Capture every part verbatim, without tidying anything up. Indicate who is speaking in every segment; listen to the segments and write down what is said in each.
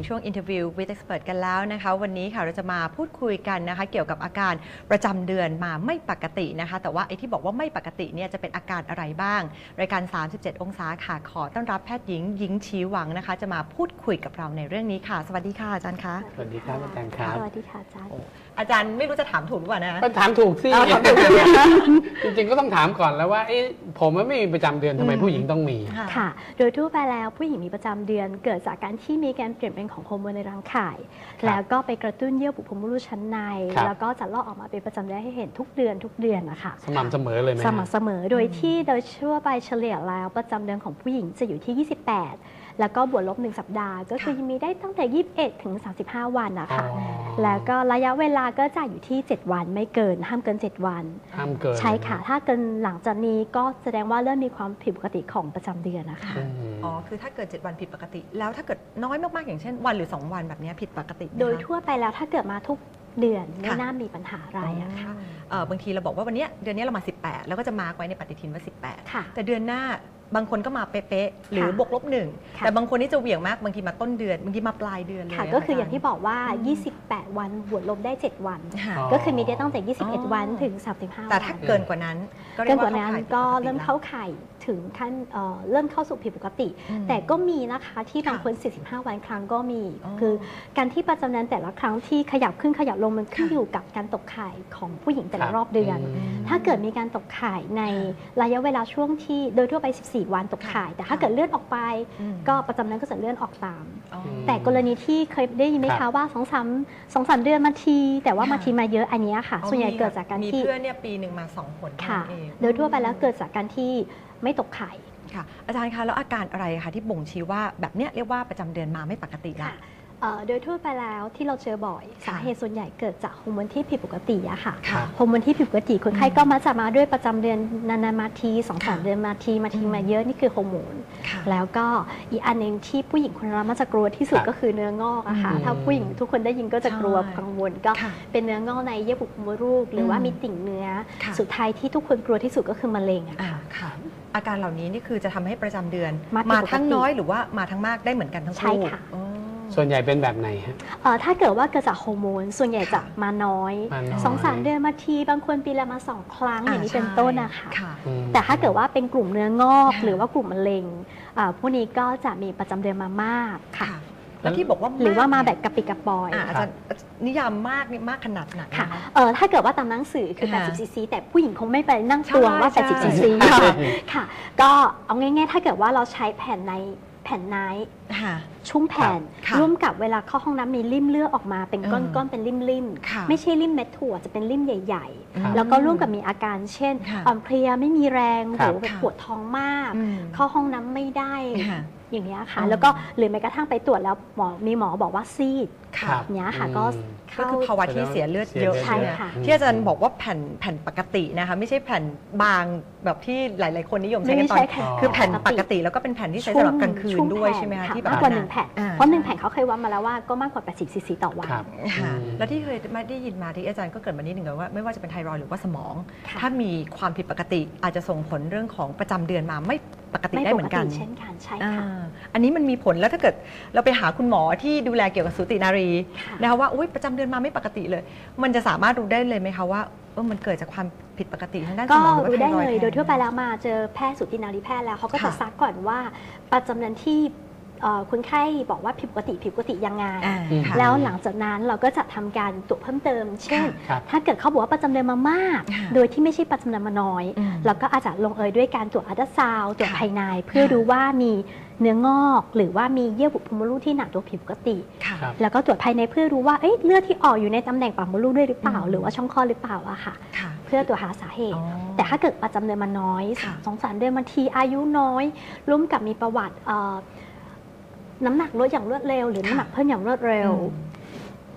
Speaker 1: ช่วง Interview with Expert กันแล้วนะคะวันนี้ค่ะเราจะมาพูดคุยกันนะคะเกี่ยวกับอาการประจำเดือนมาไม่ปกตินะคะแต่ว่าไอ้ที่บอกว่าไม่ปกติเนี่ยจะเป็นอาการอะไรบ้างรายการสามสิบเจ็ดองศาค่ะขอต้อนรับแพทย์หญิงหญิงชีหวังนะคะจะมาพูดคุยกับเราในเรื่องนี้ค่ะสวัสดีค่ะอาจารย์คะ
Speaker 2: สวัสดีครับอาจารย์ครับ
Speaker 3: สวัสดีค่ะอาจารย์
Speaker 1: อาจารย์ไม่รู้จะถามถูกหรือเปล่านะ
Speaker 2: ก็ถามถูกสิ
Speaker 1: ถามถูก
Speaker 2: จริงๆก็ต้องถามก่อนแล้วว่าเอ๊ะผมไม่มีประจำเดือนทำไมผู้หญิงต้องมี
Speaker 3: ค่ะโดยทั่วไปแล้วผู้หญิงมีประจำเดือนเกิดจากการที่มีการเปลี่ยนแปลงของฮอร์โมนในร่างกายแล้วก็ไปกระตุ้นเยื่อบุโพรงมดลูกชั้นในแล้วก็จะลอกออกมาเป็นประจำเดือนให้เห็นทุกเดือนทุกเดือนนะคะ
Speaker 2: สม่ำเสมอเลยไหม
Speaker 3: สม่ำเสมอโดยที่โดยทั่วไปเฉลี่ยแล้วประจำเดือนของผู้หญิงจะอยู่ที่ยี่สิบแปดแล้วก็บวกลบหนึ่งสัปดาห์ก็คือมีได้ตั้งแต่ยี่สิบเอ็ดถึงสามสิบห้าวันนะคะแล้วก็ระยะเวลาก็จะอยู่ที่เจ็ดวันไม่เกินห้ามเกินเจ็ดวัน
Speaker 2: ห้ามเกิน
Speaker 3: ใช่ค่ะถ้าเกินหลังจากนี้ก็แสดงว่าเริ่มมีความผิดปกติของประจำเดือนนะคะ
Speaker 1: อ๋อคือถ้าเกิดเจ็ดวันผิดปกติแล้วถ้าเกิดน้อยมากๆอย่างเช่นวันหรือสองวันแบบนี้ผิดปกติ
Speaker 3: โดยทั่วไปแล้วถ้าเกิดมาทุกเดือนไม่น่ามีปัญหาอะไรอะค่ะ
Speaker 1: บางทีเราบอกว่าวันนี้เดือนนี้เรามาสิบแปดแล้วก็จะมาร์กไว้ในปฏิทินว่าสิบแปดแต่เดือนหน้าบางคนก็มาเป๊ะๆหรือบวกลบหนึ่งแต่บางคนนี่จะเหวี่ยงมากบางทีมาต้นเดือนบางทีมาปลายเดือนเลย
Speaker 3: ก็คืออย่างที่บอกว่ายี่สิบแปดวันบวกลบได้เจ็ดวันก็คือมีได้ตั้งแต่ยี่สิบเอ็ดวันถึงสามสิบห้าวัน
Speaker 1: แต่ถ้าเกินกว่านั้น
Speaker 3: เกินกว่านั้นก็เริ่มเข้าข่ายถึงขั้นเริ่มเข้าสู่ผิดปกติแต่ก็มีนะคะที่บางคนสี่สิบห้าวันครั้งก็มีคือการที่ประจำเดือนแต่ละครั้งที่ขยับขึ้นขยับลงมันขึ้นอยู่กับการตกไข่ของผู้หญิงแต่ละรอบเดือนถ้าเกิดมีการตกไข่ในระยะเวลาช่วงที่โดยทั่วไปสิบสี่วันตกไข่แต่ถ้าเกิดเลื่อนออกไปก็ประจำเดือนก็จะเลื่อนออกตามแต่กรณีที่เคยได้ยินไหมคะว่าสองสามสองสามเดือนมาทีแต่ว่ามาทีมาเยอะอันนี้ค่ะส่วนใหญ่เกิดจากการที่
Speaker 1: มีเพื่อนเนี่ยปีหนึ่งมาสองคน
Speaker 3: ค่ะโดยทั่วไปแล้วเกิดจากการที่ไม่ตกไข่
Speaker 1: ค่ะอาจารย์คะแล้วอาการอะไรคะที่บ่งชี้ว่าแบบเนี้ยเรียกว่าประจำเดือนมาไม่ปกติละ
Speaker 3: โดยทั่วไปแล้วที่เราเจอบ่อยสาเหตุส่วนใหญ่เกิดจากฮอร์โมนที่ผิดปกติอะค่ะฮอร์โมนที่ผิดปกติคนไข้ก็มักจะมาด้วยประจำเดือนนานๆมาทีสองสามเดือนมาทีมาทีมาเยอะนี่คือฮอร์โมนแล้วก็อีกอันหนึ่งที่ผู้หญิงคนเรามักจะกลัวที่สุดก็คือเนื้องอกอะค่ะถ้าผู้หญิงทุกคนได้ยินก็จะกลัวกังวลก็เป็นเนื้องอกในเยื่อบุโพรงมดลูกหรือว่ามีติ่งเนื้อสุดท้ายที่ทุกคนกลัวที่สุดก็คือมะเร็งอะค่ะ
Speaker 1: อาการเหล่านี้นี่คือจะทำให้ประจำเดือนมาทั้งน้อยหรือว่ามาทั้งมากได้เหมือนกันทั้งคู่
Speaker 3: ใช่ค่ะ
Speaker 2: ส่วนใหญ่เป็นแบบไหนฮะ
Speaker 3: ถ้าเกิดว่าเกิดจากฮอร์โมนส่วนใหญ่จะมาน้อยสองสามเดือนมาทีบางคนปีละมาสองครั้งอย่างนี้เป็นต้นนะคะแต่ถ้าเกิดว่าเป็นกลุ่มเนื้องอกหรือว่ากลุ่มมะเร็งพวกนี้ก็จะมีประจำเดือนมามากค่ะ
Speaker 1: แล้วที่บอกว่า
Speaker 3: หรือว่ามาแบบกระปิกระปอย
Speaker 1: อาจารย์นิยามมากนี่มากขนาดไหน
Speaker 3: ค่ะถ้าเกิดว่าตามหนังสือคือแปดสิบซีซีแต่ผู้หญิงคงไม่ไปนั่งตวงว่าแปดสิบซีซีค่ะก็เอาง่ายๆถ้าเกิดว่าเราใช้แผ่นในแผ่นไนท์ชุ่มแผ่นร่วมกับเวลาเข้าห้องน้ำมีริ่มเลือดออกมาเป็นก้อนๆเป็นริ่มๆไม่ใช่ริ่มเม็ดถั่วจะเป็นริ่มใหญ่ๆแล้วก็ร่วมกับมีอาการเช่นอ่อนเพลียไม่มีแรงหรือปวดท้องมากเข้าห้องน้ำไม่ได้อย่างนี้ค่ะแล้วก็หรือแม้กระทั่งไปตรวจแล้วหมอมีหมอบอกว่าซีดเนี้ยค่ะก็
Speaker 1: ก็คือภาวะที่เสียเลือดเยอะ
Speaker 3: ใช่ค่ะ
Speaker 1: ที่อาจารย์บอกว่าแผ่นแผ่นปกตินะคะไม่ใช่แผ่นบางแบบที่หลายๆคนนิยมใช้กันตอนคือแผ่นปกติแล้วก็เป็นแผ่นที่ใช้สำหรับกลางคืนด้วยใช่ไหมคะที่
Speaker 3: มากกว่าหนึ่งแผ่นเพราะหนึ่งแผ่นเขาเคยวัดมาแล้วว่าก็มากกว่าแปดสิบซีซีต่อวัน
Speaker 1: แล้วที่เคยไม่ได้ยินมาที่อาจารย์ก็เกิดมานิดหนึ่งว่าไม่ว่าจะเป็นไทรอยด์หรือว่าสมองถ้ามีความผิดปกติอาจจะส่งผลเรื่องของประจำเดือนมาไม่ปกติได้เหมือนกัน
Speaker 3: เช่นกันใช่ค่ะ
Speaker 1: อันนี้มันมีผลแล้วถ้าเกิดเราไปหาคุณหมอที่ดูแลเกี่ยวกับสูตินารีนะคะว่าประจำเดือนมาไม่ปกติเลยมันจะสามารถรู้ได้เลยไหมคะว่ามันเกิดจากความผิดปกติทางด้านสมอง
Speaker 3: ก็รู้ได้เลยโดยทั่วไปแล้วมาเจอแพทย์สูตินารีแพทย์แล้วเขาก็จะซักก่อนว่าประจำเดือนที่คนไข้บอกว่าผิดปกติผิดปกติยังไงแล้วหลังจากนั้นเราก็จะทำการตรวจเพิ่มเติมเช่นถ้าเกิดเขาบอกว่าประจำเดือนมามากโดยที่ไม่ใช่ประจำเดือนมาน้อยเราก็อาจจะลงเอยด้วยการตรวจอัลตราซาวด์ตรวจภายในเพื่อดูว่ามีเนื้องอกหรือว่ามีเยื่อบุโพรงมดลูกที่หนาตัวผิดปกติแล้วก็ตรวจภายในเพื่อรู้ว่าเลือดที่ออกอยู่ในตำแหน่งปากมดลูกด้วยหรือเปล่าหรือว่าช่องคลอดหรือเปล่าอะค่ะเพื่อตรวจหาสาเหตุแต่ถ้าเกิดประจำเดือนมาน้อยสองสามเดือนบางทีอายุน้อยร่วมกับมีประวัติน้ำหนักลดอย่างรวดเร็วหรือน้ำหนักเพิ่มอย่างรวดเร็ว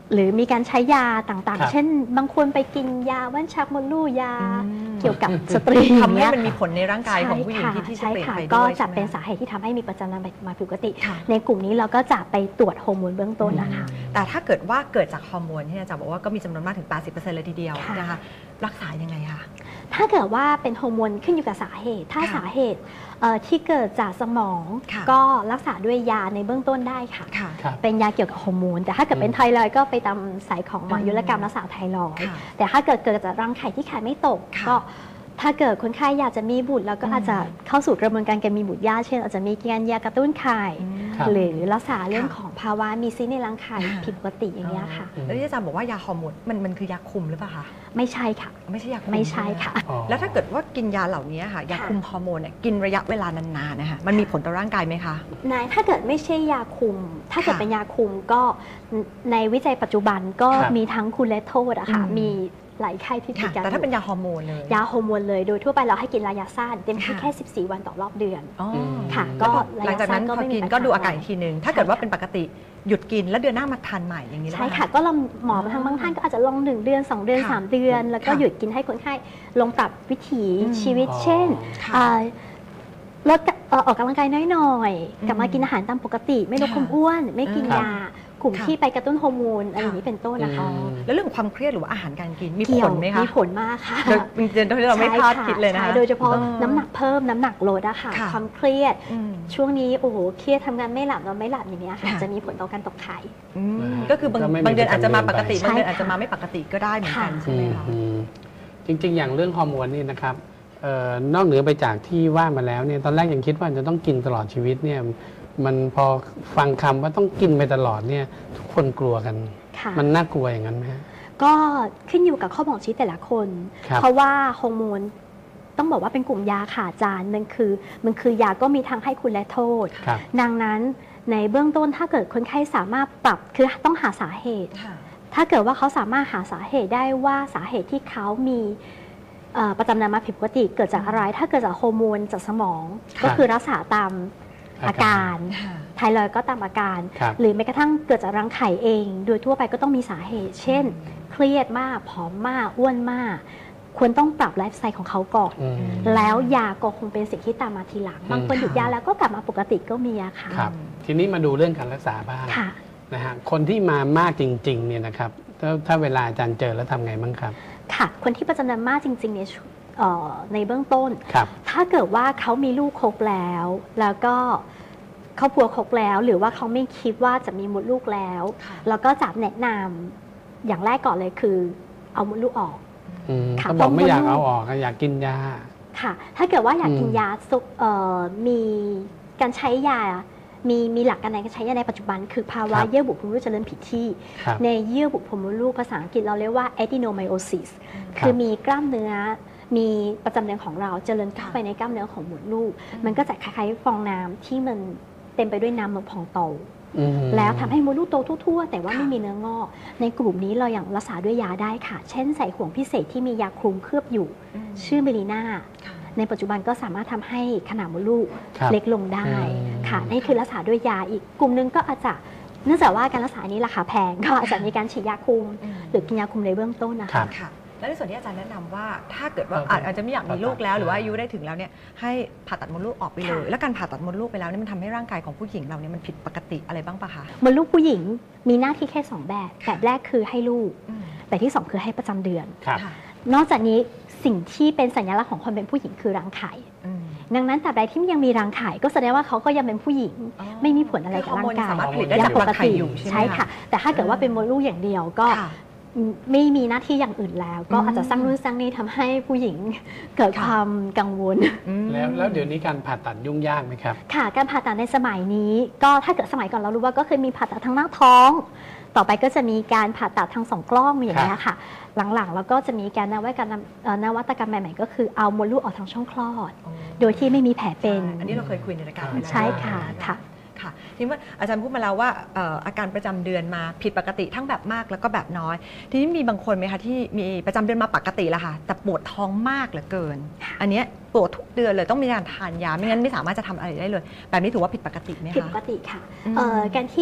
Speaker 3: หรือมีการใช้ยาต่าง
Speaker 2: ครับ
Speaker 3: ๆ เช่น บางคนไปกินยาว่านชักมดลูกยา
Speaker 1: อืม
Speaker 3: เกี่ยวกับสตรี
Speaker 1: ทำให้
Speaker 3: เนี้ย
Speaker 1: มันมีผลในร่างกายของผู้หญิงที่ที่จะ
Speaker 3: ใช่
Speaker 1: เปลี่ยน
Speaker 3: ค่ะ
Speaker 1: ไป
Speaker 3: ก็
Speaker 1: ด้วย
Speaker 3: จะ
Speaker 1: ใช่ไหม
Speaker 3: เป็นสาเหตุที่ทำให้มีประจำเดือนมาผิดปกติ
Speaker 1: ค่ะ
Speaker 3: ในกลุ่มนี้เราก็จะไปตรวจฮอร์โมนเบื้องต้นนะคะ
Speaker 1: แต่ถ้าเกิดว่าเกิดจากฮอร์โมนที่อาจารย์บอกว่าก็มีจำนวนมากถึง แปดสิบเปอร์เซ็นต์ เลยทีเดียว
Speaker 3: ค่ะ
Speaker 1: นะคะรักษายังไงคะ
Speaker 3: ถ้าเกิดว่าเป็นฮอร์โมนขึ้นอยู่กับสาเหตุ ถ้า
Speaker 1: ค่ะ
Speaker 3: สาเหตุเอ่อที่เกิดจากสมอง
Speaker 1: ค่ะ
Speaker 3: ก็รักษาด้วยยาในเบื้องต้นได้ค่ะ
Speaker 1: ค่ะ
Speaker 2: ครับ
Speaker 3: เป็นยาเกี่ยวกับฮอร์โมน แต่ถ้าเกิดเป็นไทรอยด์ก็ไปตามสายของหมออายุรกรรมรักษาไทรอยด์
Speaker 1: ค่ะ
Speaker 3: แต่ถ้าเกิดเกิดจากรังไข่ที่ไข่ไม่ตก
Speaker 1: ค่ะ
Speaker 3: ก็ถ้าเกิดคนไข้อยากจะมีบุตรแล้วก็
Speaker 1: อืม
Speaker 3: อาจจะเข้าสู่กระบวนการการมีบุตรยากเช่นอาจจะมีการยากระตุ้นไข่
Speaker 1: อืม
Speaker 2: ครับ
Speaker 3: หรือรักษาเรื่อง
Speaker 1: ค่ะ
Speaker 3: ของภาวะมีซีสต์ในรังไข่
Speaker 1: อ่า
Speaker 3: ผิดปกติอย่างเงี้ยค่ะ
Speaker 1: แล้วที่อาจารย์บอกว่ายาฮอร์โมนมันมันคือยาคุมหรือเปล่าคะ
Speaker 3: ไม่ใช่ค่ะ
Speaker 1: ไม่ใช่ยาคุม
Speaker 3: ไม่ใช่
Speaker 1: ไหม
Speaker 3: ค่ะ
Speaker 2: อ๋อ
Speaker 1: แล้วถ้าเกิดว่ากินยาเหล่านี้ค่ะยา
Speaker 3: ค่ะ
Speaker 1: คุมฮอร์โมนเนี่ยกินระยะเวลานานๆนะคะมันมีผลต่อร่างกายไหมคะ
Speaker 3: นายถ้าเกิดไม่ใช่ยาคุม ถ้าเกิด
Speaker 1: ค่ะ
Speaker 3: เป็นยาคุมก็ในวิจัยปัจจุบันก็
Speaker 2: ครับ
Speaker 3: มีทั้งคุณและโทษอะค่ะ
Speaker 1: อืม
Speaker 3: มีหลายไข้ที่ติด
Speaker 1: ค่ะ
Speaker 3: กัน
Speaker 1: แต่ถ้าเป็น
Speaker 3: อยู่
Speaker 1: ยาฮอร์โมนเลย
Speaker 3: ยาฮอร์โมนเลย โดยทั่วไปเราให้กินระยะสั้นเต็มที่
Speaker 1: ค่ะ
Speaker 3: แค่ สิบสี่ วันต่อรอบเดือน
Speaker 1: อ๋อ
Speaker 3: ค่ะ
Speaker 1: ก็
Speaker 3: ก็
Speaker 1: หลังจากนั้นพอกินก็ดูอาการอีกทีหนึ่งถ้าเกิดว่าเป็นปกติหยุดกินแล้วเดือนหน้ามาทานใหม่อย่างนี้ได้
Speaker 3: ใช่
Speaker 1: ไหม
Speaker 3: ค่ะ ก็ลองหมอทางบางท่านก็อาจจะลองหนึ่งเดือนสองเดือน
Speaker 1: ค่ะ
Speaker 3: สามเดือน แล้วก็
Speaker 1: ค่ะ
Speaker 3: หยุดกินให้คนไข้ลองปรับวิถี
Speaker 1: อืม
Speaker 3: ชีวิต
Speaker 2: อ๋อ
Speaker 3: เช่น
Speaker 1: ค่ะ
Speaker 3: อ่าลดเอ่อออกกำลังกายน้อย
Speaker 1: อืม
Speaker 3: ๆ กลับมากินอาหารตามปกติ ไม่ลด
Speaker 1: ค่ะ
Speaker 3: ความอ้วน ไม่กิน
Speaker 1: ครับ
Speaker 3: ยากลุ่ม
Speaker 1: ค่ะ
Speaker 3: ที่ไปกระตุ้นฮอร์โมนอะไรอย่างนี้เป็นต้นนะคะ
Speaker 2: อืม
Speaker 1: แล้วเรื่องความเครียดหรือว่าอาหารการกินมี
Speaker 3: เกี่
Speaker 1: ผ
Speaker 3: ยว
Speaker 1: ลไหมคะ
Speaker 3: มีผลมากค่ะ
Speaker 1: โดยจริงๆที่เราไม่คาดคิดเลยนะคะ
Speaker 3: ใช่โดยเฉพาะ
Speaker 1: ออ
Speaker 3: น้ำหนักเพิ่มน้ำหนักลดอะค่ะ
Speaker 1: ค่ะ
Speaker 3: ความเครียด
Speaker 1: อืม
Speaker 3: ช่วงนี้โอ้โหเครียดทำงานไม่หลับนอนไม่หลับอย่างเงี้ยค่ะ
Speaker 1: ค่ะ
Speaker 3: จะมีผลต่อการตกไข่
Speaker 1: อืม
Speaker 2: นะฮะ
Speaker 1: ก็คือบาง
Speaker 2: ก็ไม่มี
Speaker 1: บางเดือนอาจจะมาปกติ
Speaker 2: ประจำเดือนไป
Speaker 1: บางเดือนอาจจะมาไม่ปกติก็ได้เหมือนกัน
Speaker 3: ค่ะ
Speaker 1: ใช่ไหมคะ
Speaker 2: อืมจริง ๆ อย่างเรื่องฮอร์โมนนี่นะครับเอ่อนอกเหนือไปจากที่ว่ามาแล้วเนี่ยตอนแรกยังคิดว่าจะต้องกินตลอดชีวิตเนี่ยมันพอฟังคำว่าต้องกินไปตลอดเนี่ยทุกคนกลัวกัน
Speaker 3: ค่ะ
Speaker 2: มันน่ากลัวอย่างนั้นไหมฮะ
Speaker 3: ก็ขึ้นอยู่กับข้อบ่งชี้แต่ละคน
Speaker 2: ครับ
Speaker 3: เพราะว่าฮอร์โมนต้องบอกว่าเป็นกลุ่มยาค่ะอาจารย์มันคือมันคือยาก็มีทั้งให้คุณและโทษ
Speaker 2: ครับ
Speaker 3: ดังนั้นในเบื้องต้นถ้าเกิดคนไข้สามารถปรับคือต้องหาสาเหตุ
Speaker 1: ค่ะ
Speaker 3: ถ้าเกิดว่าเขาสามารถหาสาเหตุได้ว่าสาเหตุที่เขามีเอ่อประจำเดือนมาผิดปกติเกิดจากอะไร ถ้าเกิดจากฮอร์โมนจากสมอง
Speaker 2: ครับ
Speaker 3: ก็คือรักษาตามอาการ
Speaker 1: ค่ะ
Speaker 3: ไทรอยด์ก็ตามอาการ
Speaker 2: ครับ
Speaker 3: หรือแม้กระทั่งเกิดจากรังไข่เอง โดยทั่วไปก็ต้องมีสาเหตุ เช่น เครียดมากผอมมากอ้วนมาก ควรต้องปรับไลฟ์สไตล์ของเขาก่อน
Speaker 2: อืม
Speaker 3: แล้วยาก็คงเป็นสิ่งที่ตามมาทีหลัง บางคนหยุดยาแล้วก็กลับมาปกติก็มีอะค่ะ
Speaker 2: ครับ ทีนี้มาดูเรื่องการรักษาบ้าง
Speaker 3: ค่ะ
Speaker 2: นะฮะคนที่มามากจริงๆเนี่ยนะครับถ้าถ้าเวลาอาจารย์เจอแล้วทำไงบ้างครับ
Speaker 3: ค่ะ คนที่ประจำเดือนมากจริงๆเนี่ยเอ่อในเบื้องต้น
Speaker 2: ครับ
Speaker 3: ถ้าเกิดว่าเขามีลูกครบแล้ว แล้วก็ครอบครัวครบแล้ว หรือว่าเขาไม่คิดว่าจะมีมดลูกแล้ว
Speaker 1: ค่ะ
Speaker 3: แล้วก็จะแนะนำอย่างแรกก่อนเลยคือ เอามดลูกออก
Speaker 2: อืม
Speaker 3: ค่ะ
Speaker 2: ก็บอกไม่อยาก
Speaker 3: บางคน
Speaker 2: เอาออกอะอยากกินยา
Speaker 3: ค่ะ ถ้าเกิดว่าอยากกิน
Speaker 2: อืม
Speaker 3: ยาซุกเอ่อมีการใช้ยา มีมีหลักการในการใช้ยาในปัจจุบัน คือภาวะ
Speaker 2: ครับ
Speaker 3: เยื่อบุโพรงมดลูกเจริญผิดที่
Speaker 2: ครับ
Speaker 3: ในเยื่อบุโพรงมดลูกภาษาอังกฤษเราเรียกว่า adenomyosis
Speaker 2: ครับ
Speaker 3: คือมีกล้ามเนื้อ มีประจำเดือนของเราเจริญเข้าไปในกล้ามเนื้อของมดลูก มันก็จะคล้ายๆฟองน้ำที่มันเต็มไปด้วยน้ำนมพองโต
Speaker 2: อืม
Speaker 3: แล้วทำให้มดลูกโตทั่วๆ แต่ว่า
Speaker 1: ค่ะ
Speaker 3: ไม่มีเนื้องอก ในกลุ่มนี้เราอย่างรักษาด้วยยาได้ค่ะ เช่นใส่ห่วงพิเศษที่มียาคลุมเคลือบอยู่
Speaker 1: ม
Speaker 3: ชื่อเมลีนา
Speaker 1: ค่ะ
Speaker 3: ในปัจจุบันก็สามารถทำให้ขนาดมดลูก
Speaker 2: ครับ
Speaker 3: เล็กลงได้
Speaker 2: อืม
Speaker 3: ค่ะนี่คือรักษาด้วยยาอีกกลุ่มหนึงก็อาจจะเนื่องจากว่าการรักษานี้ราคาแพง ก็อาจจะมีการฉีดยาคุม
Speaker 1: อืม
Speaker 3: หรือกินยาคุมในเบื้องต้นนะ
Speaker 2: ครั
Speaker 3: คะ
Speaker 2: บ
Speaker 1: ค่ะ แล้วในส่วนที่อาจารย์แนะนำว่าถ้าเกิดว่า
Speaker 2: เออ
Speaker 1: อาจอาจจะไม่อยากมีลูกแล้ว
Speaker 2: ผ่าตัด
Speaker 1: หรือว่าอายุได้ถึงแล้วเนี่ยให้ผ่าตัดมดลูกออกไปเลย
Speaker 3: ค่ะ
Speaker 1: แล้วการผ่าตัดมดลูกไปแล้วเนี่ยมันทำให้ร่างกายของผู้หญิงเราเนี่ยมันผิดปกติอะไรบ้างปะคะ
Speaker 3: มดลูกผู้หญิงมีหน้าที่แค่สองแบบ
Speaker 1: ค่ะ
Speaker 3: แบบแรกคือให้ลูก
Speaker 1: อืม
Speaker 3: แบบที่สองคือให้ประจำเดือน
Speaker 2: ครับ
Speaker 1: ค่ะ
Speaker 3: นอกจากนี้สิ่งที่เป็นสัญลักษณ์ของคนเป็นผู้หญิงคือรังไข่
Speaker 1: อืม
Speaker 3: ดังนั้นตราบใดที่ยังมีรังไข่ก็แสดงว่าเขาก็ยังเป็นผู้หญิง
Speaker 1: อ๋อ
Speaker 3: ไม่มีผลอะไรกับร่างกาย
Speaker 1: คือฮอร์โมนสามารถผลิตได้
Speaker 3: ยั
Speaker 1: จาก
Speaker 3: ป
Speaker 1: รั
Speaker 3: ก
Speaker 1: งไข่
Speaker 3: ติ
Speaker 1: อยู่ใช่ไหม
Speaker 3: ใช่ค่ะ แต่ถ้าเกิดว่าเป็นมดลูกอย่างเดียวก็
Speaker 1: ค่ะ
Speaker 3: ไม่มีหน้าที่อย่างอื่นแล้ว ก็
Speaker 1: อืม
Speaker 3: อาจจะสร้างนู่นสร้างนี่ทำให้ผู้หญิงเกิด
Speaker 1: ค่ะ
Speaker 3: ความกังวล
Speaker 1: อืม
Speaker 2: แล้วแล้วเดี๋ยวนี้การผ่าตัดยุ่งยากไหมครับ
Speaker 3: ค่ะการผ่าตัดในสมัยนี้ก็ถ้าเกิดสมัยก่อนเรารู้ว่าก็เคยมีผ่าตัดทางหน้าท้อง ต่อไปก็จะมีการผ่าตัดทางสองกล้องอย่างนี้ยค่ะ หลังๆแล้วก็จะมีการนวัตกรรมเอ่อนวัตกรรมใหม่ๆก็คือเอามดลูกออกทางช่องคลอด
Speaker 1: อ๋อ
Speaker 3: โดยที่ไม่มีแผลเป็น
Speaker 1: ใช่อันนี้เราเคยคุยในรายการไปแล้ว
Speaker 3: ใช่ค่ะค่ะ
Speaker 1: ค่ะทีนี้ว่าอาจารย์พูดมาแล้วว่าเอ่ออาการประจำเดือนมาผิดปกติทั้งแบบมากแล้วก็แบบน้อย ทีนี้มีบางคนไหมคะที่มีประจำเดือนมาปกติแล้วค่ะแต่ปวดท้องมากเหลือเกิน อันเนี้ยปวดทุกเดือนเลยต้องมีการทานยาไม่งั้นไม่สามารถจะทำอะไรได้เลย แบบนี้ถือว่าผิดปกติไหม
Speaker 3: ผิดป
Speaker 1: คะ
Speaker 3: กติค่ะ
Speaker 1: อืม
Speaker 3: เอ่อการที่ผู้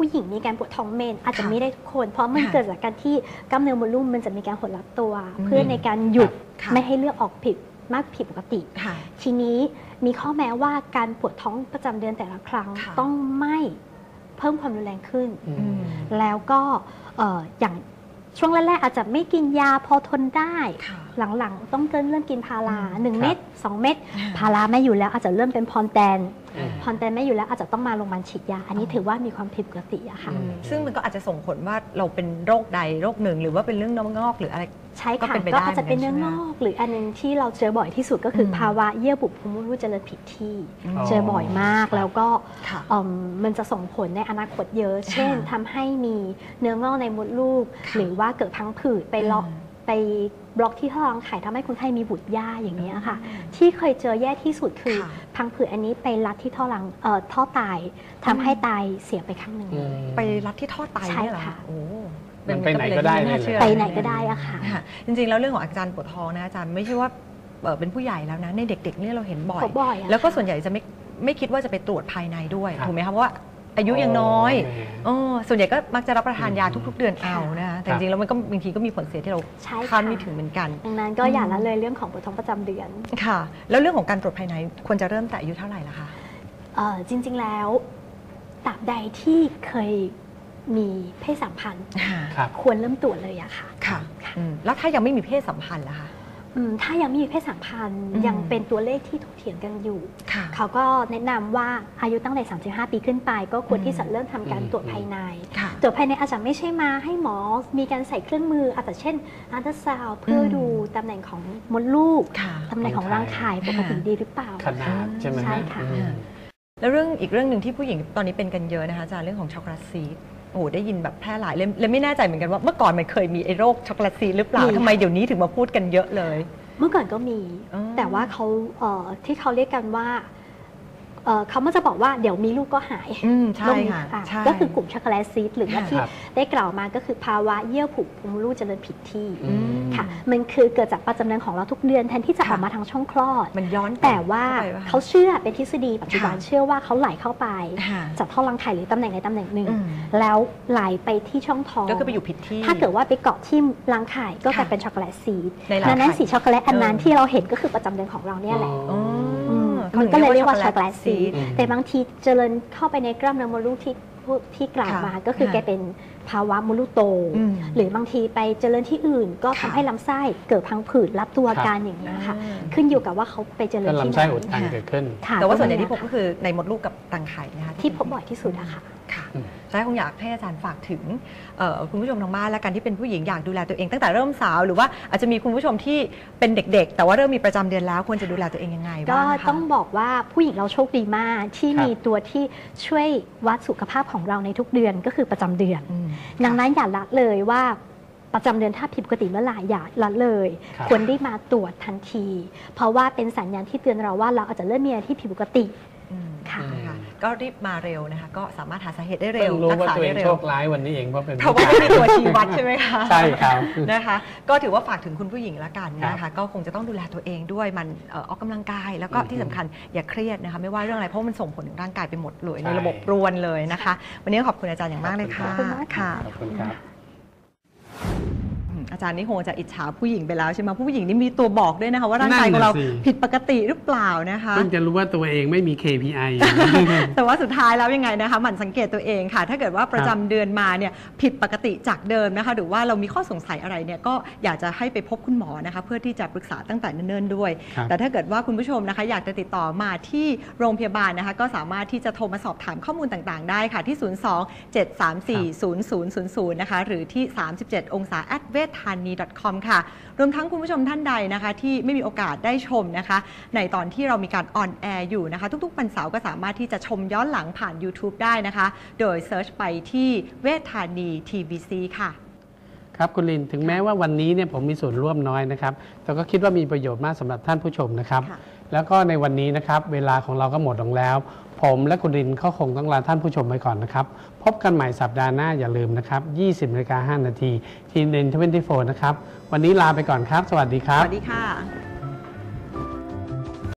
Speaker 3: ผู้หญิงมีการปวดท้องเมนอาจจะ
Speaker 1: ค่ะ
Speaker 3: ไม่ได้ทุกคน เพราะมัน
Speaker 1: ค่ะ
Speaker 3: เกิดจากการที่กล้ามเนื้อมดลูกมันจะมีการหดลับตัว เพื่อในการหยุด
Speaker 1: ค่ะ
Speaker 3: ไม่ให้เลือดออกผิดมากผิดปกติ
Speaker 1: ค่ะ
Speaker 3: ทีนี้มีข้อแม้ว่าการปวดท้องประจำเดือนแต่ละครั้ง
Speaker 1: ค่ะ
Speaker 3: ต้องไม่เพิ่มความรุนแรงขึ้น
Speaker 2: อืม
Speaker 1: อืม
Speaker 3: แล้วก็เอ่ออย่างช่วงแรกๆอาจจะไม่กินยาพอทนได้
Speaker 1: ค่ะ
Speaker 3: หลังๆ ต้องเริ่มเริ่มกินพารา
Speaker 1: อืม
Speaker 3: หนึ่ง
Speaker 2: ครับ
Speaker 3: เม็ดสองเม็ดพาราไม่อยู่แล้วอาจจะเริ่มเป็นพรแตน
Speaker 2: อืม
Speaker 3: พรแตนไม่อยู่แล้วอาจจะต้องมาโรงพยาบาลฉีดยา อันนี้
Speaker 1: อ๋อ
Speaker 3: ถือว่ามีความผิดปกติอะค่ะ
Speaker 2: อืม
Speaker 1: ซึ่งมันก็อาจจะส่งผลว่าเราเป็นโรคใดโรคหนึ่งหรือว่าเป็นเรื่องเนื้องอกหรืออะไร
Speaker 3: ใช่
Speaker 1: ก็
Speaker 3: ค่ะ
Speaker 1: เป็นไป
Speaker 3: ก็
Speaker 1: ได้
Speaker 3: อาจจะเป็นเนื้อ
Speaker 1: เหมื
Speaker 3: ง
Speaker 1: อนกันใช่ไหม
Speaker 3: อกหรืออันนึงที่เราเจอบ่อยที่สุดก็คืออ
Speaker 1: ม
Speaker 3: ภาวะเยื่อบุโพรงมดลูกเจริญผิดที่
Speaker 1: อืม
Speaker 3: เจอบ่อยมากแล้วก็
Speaker 1: ค่ะ
Speaker 3: เอิ่มมันจะส่งผลในอนาคตเยอะ เช่นทำให้มีเนื้องอกในมดลูก
Speaker 1: ค่ะ
Speaker 3: หรือว่าเกิดพังผืดไปเลาะ
Speaker 1: อืม
Speaker 3: ไปบล็อกที่ท่อรังไข่ทำให้คนไข้มีบุตรยากอย่างนี้ยค่ะ
Speaker 1: อืม
Speaker 3: ที่เคยเจอแย่ที่สุดคือ
Speaker 1: ค่ะ
Speaker 3: พังผืดอันนี้ไปรัดที่ท่อรังเอ่อท่อไตทำให้ไตเสียไปข้างหนึ่ง
Speaker 2: อืม
Speaker 1: ไปรัดที่ท่อไตเนี่ยเหรอ
Speaker 3: ใช่ค่ะ
Speaker 1: โอ้
Speaker 2: มันไปไหนก็ได้
Speaker 1: เป็
Speaker 2: เลย
Speaker 1: ม่าชื่อ
Speaker 3: ไปไหนก็ได้อะค่ะ
Speaker 1: ค่ะจริงๆแล้วเรื่องของอาการปวดท้องนะอาจารย์ไม่ใช่ว่าเอ่อเป็นผู้ใหญ่แล้วนะในเด็กๆเนี่ยเราเห็นบ่อย
Speaker 3: พบบ่อยอะ
Speaker 1: แล้วก็
Speaker 3: ค่ะ
Speaker 1: ส่วนใหญ่จะไม่ไม่คิดว่าจะไปตรวจภายในด้วย
Speaker 2: ครับ
Speaker 1: ถูกไหมคะเพราะว่าอายุยังน้อย
Speaker 2: โอ้แหม
Speaker 1: เออส่วนใหญ่ก็มักจะรับประทานยา
Speaker 2: อืม
Speaker 1: ทุก ๆ เดือนเอานะคะแต่
Speaker 2: ค
Speaker 1: จ
Speaker 2: รับ
Speaker 1: ริงๆแล้วมันก็บางทีก็มีผลเสียที่เรา
Speaker 3: ใช่
Speaker 1: คาด
Speaker 3: ค่ะ
Speaker 1: ไม่ถึงเหมือนกัน
Speaker 3: ดังนั้นก็อย่า
Speaker 1: อืม
Speaker 3: ละเลยเรื่องของปวดท้องประจำเดือน
Speaker 1: ค่ะ แล้วเรื่องของการตรวจภายในควรจะเริ่มแต่อายุเท่าไหร่ล่ะคะ
Speaker 3: เอ่อจริง ๆ แล้วตราบใดที่เคยมีเพศสัมพันธ์
Speaker 2: ครับ
Speaker 3: ควรเริ่มตรวจเลยอะค่ะ
Speaker 1: ค่ะอืมแล้วถ้ายังไม่มีเพศสัมพันธ์ล่ะคะ
Speaker 3: อืมถ้ายังไม่มีเพศสัมพันธ์
Speaker 1: อืม
Speaker 3: ยังเป็นตัวเลขที่ถกเถียงกันอยู่
Speaker 1: ค่ะ
Speaker 3: เขาก็แนะนำว่าอายุตั้งแต่สามสิบห้าปีขึ้นไป ก็ควร
Speaker 1: อืม
Speaker 3: ที่จะเริ่มทำการ
Speaker 2: อืม
Speaker 3: ตรวจภายใน
Speaker 1: ค่ะ
Speaker 3: ตรวจภายในอาจจะไม่ใช่มาให้หมอมีการใส่เครื่องมืออาจจะเช่นอัลตราซาวด์เพื่ออ
Speaker 1: ม
Speaker 3: ดูตำแหน่งของมดลูก
Speaker 1: ค่ะ
Speaker 3: ตำแหน่งของร่างกายปกติดีหรือเปล่า
Speaker 2: ขนาดใช่ไหม
Speaker 3: ใช่ค่ะ
Speaker 2: อืม
Speaker 1: แล้วเรื่องอีกเรื่องหนึ่งที่ผู้หญิงตอนนี้เป็นกันเยอะนะคะอาจารย์เรื่องของช็อกโกแลตซีดโอ้โหได้ยินแบบแพร่หลายเลยเลยไม่แน่ใจเหมือนกันว่าเมื่อก่อนมันเคยมีไอ้โรคช็อกโกแลตซีดหรือเปล่า
Speaker 3: มีค่ะ
Speaker 1: ทำไมเดี๋ยวนี้ถึงมาพูดกันเยอะเลย
Speaker 3: เมื่อก่อนก็มี
Speaker 1: อ๋อ
Speaker 3: แต่ว่าเขาเอ่อที่เขาเรียกกันว่าเอ่อเขามันจะบอกว่าเดี๋ยวมีลูกก็หาย
Speaker 1: อืมใช่
Speaker 3: โรนี้
Speaker 1: ค่ะ
Speaker 3: อ่ะ
Speaker 1: ใช่
Speaker 3: ก็คือกลุ่มช็อกโกแลตซีดหรือว่า
Speaker 1: ค่ะ
Speaker 3: ที่
Speaker 2: ครับ
Speaker 3: ได้กล่าวมาก็คือภาวะเยื่อผุพงมดลูกเจริญผิดที่
Speaker 2: อืม
Speaker 3: ค่ะมันคือเกิดจากประจำเดือนของเราทุกเดือนแทนที่จะ
Speaker 1: ค่ะ
Speaker 3: ออกมาทางช่องคลอด
Speaker 1: มันย้อน
Speaker 3: แต่ว่า
Speaker 1: เข้ไปปะคะ
Speaker 3: เขาเชื่อเป็นทฤษฎีปัจจุบัน
Speaker 1: ค่ะ
Speaker 3: เชื่อว่าเขาไหลเข้าไป
Speaker 1: ค่ะ
Speaker 3: จากท่อรังไข่หรือตำแหน่งในตำแหน่งหนึ่ง
Speaker 1: อืม
Speaker 3: แล้วไหลไปที่ช่องท้อง
Speaker 1: ก็คือไปอยู่ผิดที่
Speaker 3: ถ้าเกิดว่าไปเกาะที่รังไข่ก็กลาย
Speaker 1: ค่ะ
Speaker 3: เป็นช็อกโกแลตซีด
Speaker 1: ในรังไข่
Speaker 3: ดังนั้นสีช็อกโกแลตอันนั้น
Speaker 1: เออ
Speaker 3: ที่เราเห็นก็คือประจำเดือนของเราเนี่ยแหละ
Speaker 1: อ๋อ
Speaker 3: อืม
Speaker 1: ขา
Speaker 3: มันก็เลยเรียกว่าช็อกโกแลตซีด
Speaker 2: อืม
Speaker 3: แต่บางทีเจริญเข้าไปในกล้ามเนื้อมดลูกที่พูดที่กล่าว
Speaker 1: ค่ะ
Speaker 3: มาก็คือ
Speaker 1: ค่ะ
Speaker 3: แกเป็นภาวะมดลูกโต
Speaker 1: อืม
Speaker 3: หรือบางทีไปเจริญที่อื่น ก็ทำ
Speaker 1: ค่ะ
Speaker 3: ให้ลำไส้เกิดพังผืดรับตัว
Speaker 2: ครับ
Speaker 3: การอย่างนี้ยค่ะ
Speaker 1: อ่า
Speaker 3: ขึ้นอยู่กับว่าเขาไปเจริ
Speaker 2: ก็
Speaker 3: ญที่
Speaker 2: ลำ
Speaker 3: ไห
Speaker 2: ไส้
Speaker 3: น
Speaker 2: อุดตันเกิดขึ้น
Speaker 3: ค่ะ
Speaker 1: แต่ว่าส่วนใหญ่ที่พบ
Speaker 3: ก็
Speaker 1: ก็คือในมดลูกกับรังไข่นะคะ
Speaker 3: ที่พบบ่อยที่สุดอะค่ะ
Speaker 1: ค่ะ
Speaker 2: อืม
Speaker 1: ใช่คงอยากให้อาจารย์ฝากถึงเอ่อคุณผู้ชมทางบ้านและกันที่เป็นผู้หญิงอยากดูแลตัวเองตั้งแต่เริ่มสาว หรือว่าอาจจะมีคุณผู้ชมที่เป็นเด็กๆ แต่ว่าเริ่มมีประจำเดือนแล้วควรจะดูแลตัวเองยังไง
Speaker 3: ก็
Speaker 1: บ้างคะ
Speaker 3: ต้องบอกว่าผู้หญิงเราโชคดีมากที่
Speaker 2: ครับ
Speaker 3: มีตัวที่ช่วยวัดสุขภาพของเราในทุกเดือนก็คือประจำเดือน
Speaker 1: อืม
Speaker 3: ดังนั้นอย่าละเลยว่าประจำเดือนถ้าผิดปกติเมื่อไหร่อย่าละเลย
Speaker 2: ครับ
Speaker 3: ควรได้มาตรวจทันที เพราะว่าเป็นสัญญาณที่เตือนเราว่าเราอาจจะเริ่มมีอะไรที่ผิดปกติ
Speaker 1: อืม
Speaker 3: ค่ะ
Speaker 1: ค่ะก็รีบมาเร็วนะคะ ก็สามารถหาสาเหตุได้เร็
Speaker 2: เพิ่
Speaker 1: ว
Speaker 2: งรู้
Speaker 1: รัก
Speaker 2: ว่า
Speaker 1: ษา
Speaker 2: ตัวเอ
Speaker 1: ได้
Speaker 2: ง
Speaker 1: เร็
Speaker 2: โช
Speaker 1: ว
Speaker 2: คร้ายวันนี้เองเพราะเป็น
Speaker 1: เพราะว่าไม่มีตัวชี้วัดใช่ไหมคะ
Speaker 2: ใช่ครับ
Speaker 1: นะคะ ก็ถือว่าฝากถึงคุณผู้หญิงละกันนะคะ ก็คงจะต้องดูแลตัวเองด้วยมันเอ่อออกกำลังกาย แล้วก็
Speaker 2: อืม
Speaker 1: ที่สำคัญอย่าเครียดนะคะ ไม่ว่าเรื่องอะไรเพราะมันส่งผลถึงร่างกายไปหมดเลย
Speaker 2: ใช่
Speaker 1: ในระบบรวนเลยนะคะ วันนี้ขอบคุณอาจารย์อย่างมากเลยค่ะ
Speaker 3: ขอบคุณมากค่ะ
Speaker 1: ค่ะ
Speaker 2: ขอบคุณครับ
Speaker 1: อืมอาจารย์นี่คงจะอิจฉาผู้หญิงไปแล้วใช่ไหมผู้หญิงนี่มีตัวบอกด้วยนะคะว่าร่างกายของเรา
Speaker 2: นั่นน่ะสิ
Speaker 1: ผิดปกติหรือเปล่านะคะ
Speaker 2: เพิ่งจะรู้ว่าตัวเองไม่มี เค พี ไอ
Speaker 1: แต่ว่าสุดท้ายแล้วยังไงนะคะหมั่นสังเกตตัวเองค่ะ ถ้าเกิดว่าประจำเดือนมาเนี่ยผิดปกติจากเดิมนะคะ หรือว่าเรามีข้อสงสัยอะไรเนี่ยก็อยากจะให้ไปพบคุณหมอนะคะ เพื่อที่จะปรึกษาตั้งแต่เนิ่นๆด้วย
Speaker 2: ครับ
Speaker 1: แต่ถ้าเกิดว่าคุณผู้ชมนะคะ อยากจะติดต่อมาที่โรงพยาบาลนะคะ ก็สามารถที่จะโทรมาสอบถามข้อมูลต่างๆ ได้ค่ะที่ ศูนย์ สอง เจ็ด สาม สี่ ศูนย์ ศูนย์ ศูนย์ ศูนย์ นะคะ หรือที่ สามสิบเจ็ด องศา แอท เวชธานี ดอท คอม ค่ะ รวมทั้งคุณผู้ชมท่านใดนะคะ ที่ไม่มีโอกาสได้ชมนะคะ ในตอนที่เรามีการออนแอร์อยู่นะคะ ทุกๆวันเสาร์ก็สามารถที่จะชมย้อนหลังผ่าน YouTube ได้นะคะ โดยเซิร์ชไปที่เวชธานี ที วี ซี ค่ะ
Speaker 2: ครับคุณลินถึงแม้ว่าวันนี้เนี่ยผมมีส่วนร่วมน้อยนะครับแต่ก็คิดว่ามีประโยชน์มากสำหรับท่านผู้ชมนะครับ
Speaker 1: ค่ะ
Speaker 2: แล้วก็ในวันนี้นะครับเวลาของเราก็หมดลงแล้ว ผมและคุณลินก็คงต้องลาท่านผู้ชมไปก่อนนะครับพบกันใหม่สัปดาห์หน้าอย่าลืมนะครับยี่สิบนาฬิกาห้านาทีทีเอ็น ทเวนตี้โฟร์นะครับวันนี้ลาไปก่อนครับ สวัสดีครั
Speaker 1: ส
Speaker 2: บ
Speaker 1: วัสดีค่ะ